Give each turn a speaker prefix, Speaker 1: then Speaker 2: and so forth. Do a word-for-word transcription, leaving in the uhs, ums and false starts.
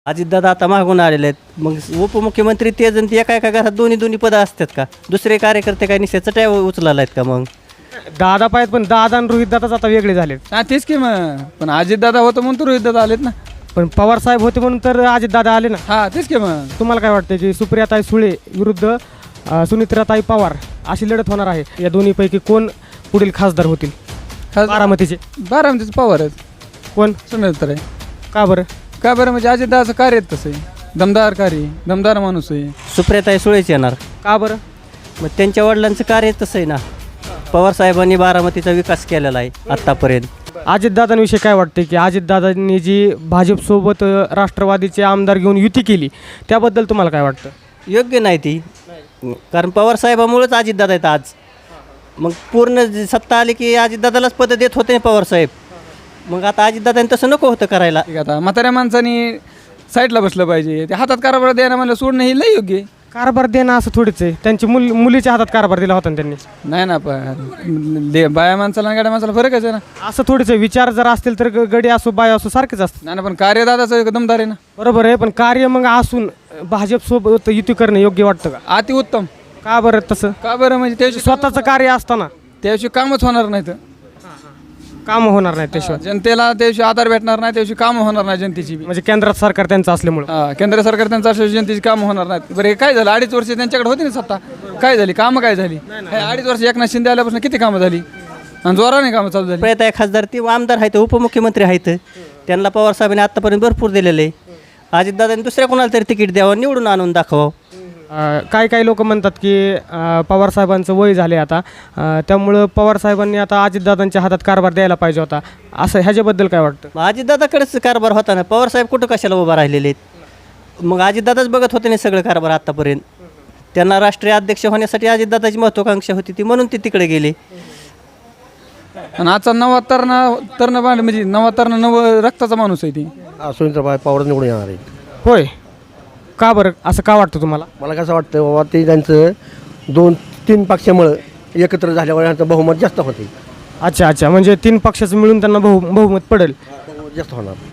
Speaker 1: अजितदादा आता मागून आलेले आहेत, मग उपमुख्यमंत्री ते जण ते एका एका घरात दोन्ही दोन्ही पदं असतात का? दुसरे कार्यकर्ते काय निश्चित चट्या उचलायला आहेत का? मग
Speaker 2: दादा पाहिजे, पण दादा आणि रोहित दादाच आता वेगळे झालेत.
Speaker 3: हा तेच की मग, पण अजितदादा होतं म्हणून तर रोहितदादा आलेत ना.
Speaker 2: पण पवार साहेब होते म्हणून तर अजित दादा आले ना.
Speaker 3: हा तेच की मग.
Speaker 2: तुम्हाला काय वाटतं की सुप्रियाताई सुळे विरुद्ध अ, सुनित्राताई पवार अशी लढत होणार आहे, या दोन्हीपैकी कोण पुढील खासदार होतील?
Speaker 3: खास
Speaker 2: बारामतीचे
Speaker 3: बारामतीचं पवार आहेत.
Speaker 2: कोण?
Speaker 3: सुनील तर आहे.
Speaker 2: का बरं?
Speaker 3: का बरं म्हणजे अजितदादाचं कार्य आहे तसं आहे, दमदार कार्य आहे, दमदार माणूस आहे.
Speaker 1: सुप्रियाताई सुळेच येणार.
Speaker 2: का बरं?
Speaker 1: मग त्यांच्या वडिलांचं कार्य तसं आहे ना. पवार साहेबांनी बारामतीचा विकास केलेला आहे आत्तापर्यंत.
Speaker 2: अजितदादांविषयी काय वाटते की अजितदादांनी जी भाजपसोबत अ, राष्ट्रवादीचे आमदार घेऊन युती केली, त्याबद्दल तुम्हाला काय वाटतं?
Speaker 1: योग्य नाही ती, कारण पवार साहेबामुळेच अजितदादा आहेत आज. मग पूर्ण जी सत्ता आली की अजितदादालाच पदं देत होते पवार साहेब. मग आता अजितदादांनी तसं नको होतं करायला.
Speaker 3: ठीक आहे, आता म्हाताऱ्या माणसानी साईडला बसलं पाहिजे. ते हातात कारभार द्यायला म्हणलं सोडणं हे लई योग्य आहे.
Speaker 2: कारभार देणं असं थोडीच आहे, त्यांची मुल मुलीच्या हातात कारभार दिला होता ना त्यांनी.
Speaker 3: नाही ना, पण दे बाया माणसाला आणि गाड्या माणसाला फरकच आहे ना.
Speaker 2: असं थोडीच आहे, विचार जर असतील तर ग- गडी असो बाय असो सारखेच असतं.
Speaker 3: नाही ना, पण कार्यदादाचं एक दमदार आहे ना.
Speaker 2: बरोबर आहे, पण कार्य मग असून भाजपसोबत युती करणं योग्य वाटतं का?
Speaker 3: अति उत्तम.
Speaker 2: का बरं तसं?
Speaker 3: का बरं म्हणजे त्याविषयी
Speaker 2: स्वतःचं कार्य असताना
Speaker 3: त्याविषयी कामच होणार नाही तर
Speaker 2: काम होणार नाही त्याशिवाय.
Speaker 3: जनतेला त्याविषयी आधार भेटणार नाही, त्याविषयी कामं होणार नाही जनतेची बी.
Speaker 2: म्हणजे केंद्रात सरकार त्यांचं असल्यामुळं.
Speaker 3: हा, केंद्र सरकार त्यांचा असल्याशिवाय जनतेची कामं होणार नाहीत. बरं हे काय झालं, अडीच वर्ष त्यांच्याकडे होती ना सत्ता, काय झाली कामं, काय झाली? हे अडीच वर्ष एकनाथ शिंदे आल्यापासून किती कामं झाली आणि जोराने कामं चालू झाली.
Speaker 1: सुप्रियाताई खासदार ती आमदार आहेत, उपमुख्यमंत्री आहेत, त्यांना पवार साहेबांनी आत्तापर्यंत भरपूर दिलेलं आहे. अजितदादांनी दुसऱ्या कोणाला तरी तिकीट द्यावं, निवडून आणून दाखवावं.
Speaker 2: अं, काही काही लोक म्हणतात की अं, पवार साहेबांचं वय झाले आता, अं, त्यामुळं पवार साहेबांनी आता अजितदादांच्या हातात कारभार द्यायला पाहिजे होता, असं ह्याच्याबद्दल काय वाटतं?
Speaker 1: मग अजितदादाकडेच कारभार होता ना, पवार साहेब कुठं कशाला उभा राहिलेले आहेत? मग अजितदादाच बघत होते नाही सगळं कारभार आत्तापर्यंत. त्यांना राष्ट्रीय अध्यक्ष होण्यासाठी अजितदादाची महत्त्वाकांक्षा होती ती, म्हणून ते तिकडे गेले.
Speaker 3: आणि आजचा नवा तरणा तरण म्हणजे नवा तरणा नव रक्ताचा माणूस आहे ती.
Speaker 4: सुनीताबाई पवार निवडून येणार आहे.
Speaker 2: होय, का बरं असं का वाटतं तुम्हाला?
Speaker 4: मला कसं वाटतं बाबा, ते त्यांचं दोन तीन पक्षामुळं एकत्र झाल्यावर यांचं बहुमत जास्त होते.
Speaker 2: अच्छा अच्छा, म्हणजे तीन पक्षाचं मिळून त्यांना बहु बहुमत पडेल.
Speaker 4: बहुमत जास्त होणार.